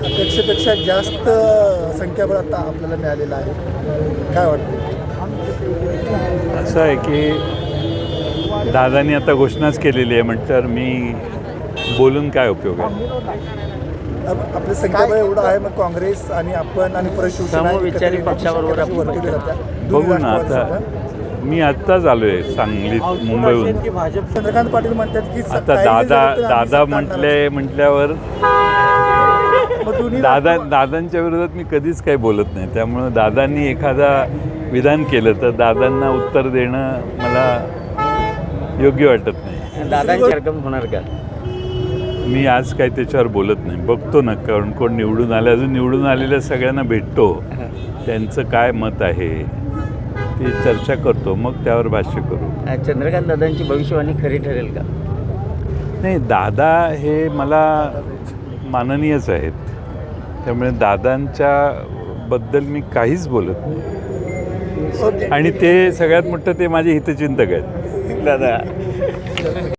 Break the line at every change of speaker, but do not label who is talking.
अपेक्षेपेक्षा जास्त संख्याबळ आता आपल्याला मिळालेलं आहे. काय वाटतं?
असं आहे की दादांनी आता घोषणाच केलेली आहे म्हटल्यावर मी बोलून काय उपयोग आहे.
आपलं संख्याबळ एवढं आहे, मग काँग्रेस आणि आपण आणि परत शिवसेना
समविचारी पक्षाबरोबर आपण
वर्तवली जात्या.
बघू ना आता. मी आत्ताच आलो आहे सांगलीत मुंबईहून.
चंद्रकांत पाटील म्हणतात की
आता दादा म्हटल्यावर दादांच्या विरोधात मी कधीच काही बोलत नाही. त्यामुळं दादांनी एखादा विधान केलं तर दादांना उत्तर देणं मला योग्य वाटत नाही.
दादांची रक्कम होणार का?
मी आज काही त्याच्यावर बोलत नाही. बघतो ना कारण कोण निवडून आले, अजून निवडून आलेल्या सगळ्यांना भेटतो, त्यांचं काय मत आहे ती चर्चा करतो, मग त्यावर भाष्य करू.
चंद्रकांत दादांची भविष्यवाणी खरी ठरेल का?
नाही, दादा हे मला माननीयच आहेत, त्यामुळे दादांच्या बद्दल मी काहीच बोलत नाही. आणि ते सगळ्यात मोठं ते माझे हितचिंतक आहेत.
दादा